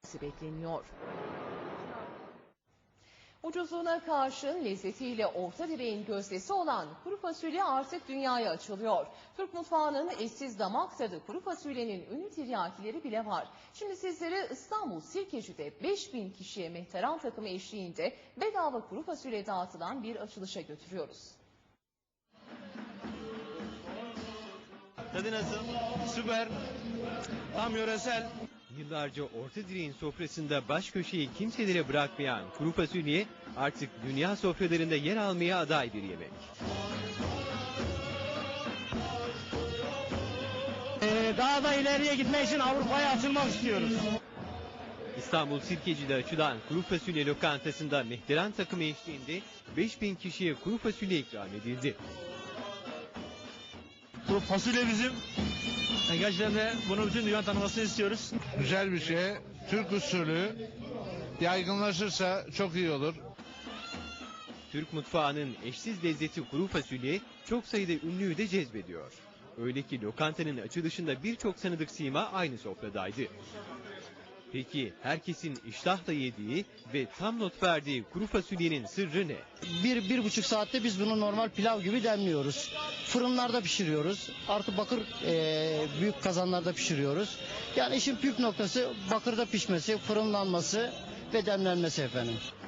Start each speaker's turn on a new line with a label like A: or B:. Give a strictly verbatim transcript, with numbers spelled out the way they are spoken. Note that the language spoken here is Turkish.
A: etmesi bekleniyor. Ucuzluğuna karşın lezzetiyle orta direğin gözdesi olan kuru fasulye artık dünyaya açılıyor. Türk mutfağının eşsiz damak tadı kuru fasulyenin ünlü tiryakileri bile var. Şimdi sizleri İstanbul Sirkeci'de beş bin kişiye mehteran takımı eşliğinde bedava kuru fasulye dağıtılan bir açılışa götürüyoruz.
B: Tadı nasıl? Süper. Tam yöresel.
C: Yıllarca orta direğin sofrasında baş köşeyi kimselere bırakmayan kuru fasulye artık dünya sofralarında yer almaya aday bir yemek.
B: Ee, daha da ileriye gitmek için Avrupa'ya açılmak istiyoruz.
C: İstanbul Sirkeci'de açılan kuru fasulye lokantasında mehteran takımı eşliğinde beş bin kişiye kuru fasulye ikram edildi.
B: Bu fasulye bizim. Gerçekten de bunu bütün dünya tanımasını istiyoruz.
D: Güzel bir şey. Türk usulü yaygınlaşırsa çok iyi olur.
C: Türk mutfağının eşsiz lezzeti kuru fasulye çok sayıda ünlüyü de cezbediyor. Öyle ki lokantanın açılışında birçok tanıdık sima aynı sofradaydı. Peki herkesin iştahla yediği ve tam not verdiği kuru fasulyenin sırrı ne?
E: Bir, bir buçuk saatte biz bunu normal pilav gibi demliyoruz. Fırınlarda pişiriyoruz. Artı bakır e, büyük kazanlarda pişiriyoruz. Yani işin püf noktası bakırda pişmesi, fırınlanması ve demlenmesi efendim.